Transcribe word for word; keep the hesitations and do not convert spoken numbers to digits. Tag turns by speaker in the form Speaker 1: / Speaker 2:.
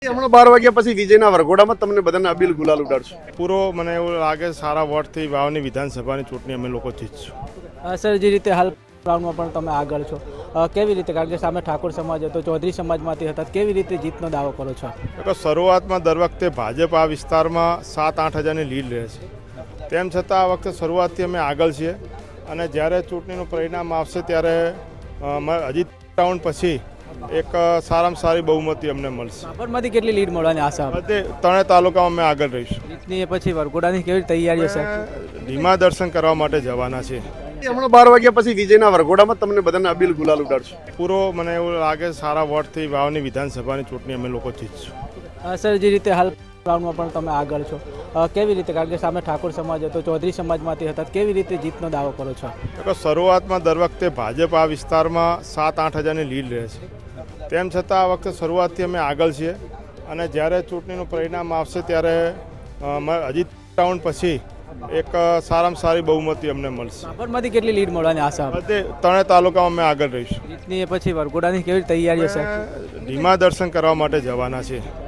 Speaker 1: હમણાં બાર વાગ્યા પછી વિજયના વરઘોડામાં તમને બધાને અબીલ ગુલાલ ઉડાડશું.
Speaker 2: પૂરો મને એવું લાગે સારા વોટથી વાવની વિધાનસભાની ચૂંટણી અમે લોકો જીતશું.
Speaker 3: અ, સર જે રીતે હાલ રાઉન્ડમાં પણ તમે આગળ છો, અ, કેવી રીતે, કારણ કે સામે ઠાકોર સમાજ હતો, ચૌધરી સમાજમાંથી હતા, કેવી રીતે જીતનો દાવો કરો છો?
Speaker 2: તો શરૂઆતમાં દર વખતે ભાજપ આ વિસ્તારમાં સાત આઠ હજારની લીડ રહે છે. તેમ છતાં આ વખતે શરૂઆતથી અમે આગળ છીએ અને જ્યારે ચૂંટણીનું પરિણામ આવશે ત્યારે અ, મ- હજી રાઉન્ડ પછી એક અ, સારામાં સારી બહુમતી અમને મળશે.
Speaker 3: રાપરમાંથી કેટલી લીડ મળવાની આશા આપે?
Speaker 2: બધે ત્રણેય તાલુકામાં અમે આગળ રહીશું.
Speaker 3: જીતની એ પછી વરઘોડાની કેવી તૈયારીઓ છે?
Speaker 2: અમે ધીમા દર્શન કરવા માટે જવાના છીએ.
Speaker 1: હમણાં બાર વાગ્યા પછી વિજયના વરઘોડામાં તમને બધાને અબીલ ગુલાલ ઉડાડશું.
Speaker 2: પૂરો મને એવું લાગે સારા વોટથી વાવની વિધાનસભાની ચૂંટણી અમે લોકો જીતશું.
Speaker 3: અ, સર જે રીતે હાલ રાઉન્ડમાં પણ તમે આગળ છો, અ, કેવી રીતે, કારણ કે સામે ઠાકોર સમાજ હતો, ચૌધરી સમાજમાંથી હતા, કેવી રીતે જીતનો દાવો કરો છો?
Speaker 2: તો શરૂઆતમાં દર વખતે ભાજપ આ વિસ્તારમાં સાત આઠ હજારની લીડ રહે છે. તેમ છતાં આ વખતે શરૂઆતથી અમે આગળ છીએ અને જ્યારે ચૂંટણીનું પરિણામ આવશે ત્યારે અ, મ- હજી રાઉન્ડ પછી એક અ, સારામાં સારી બહુમતી અમને મળશે.
Speaker 3: રાપરમાંથી કેટલી લીડ મળવાની આશા આપે?
Speaker 2: બધે ત્રણેય તાલુકામાં અમે આગળ રહીશું.
Speaker 3: જીતની એ પછી વરઘોડાની કેવી તૈયારીઓ છે?
Speaker 2: અમે ધીમા દર્શન કરવા માટે જવાના છીએ.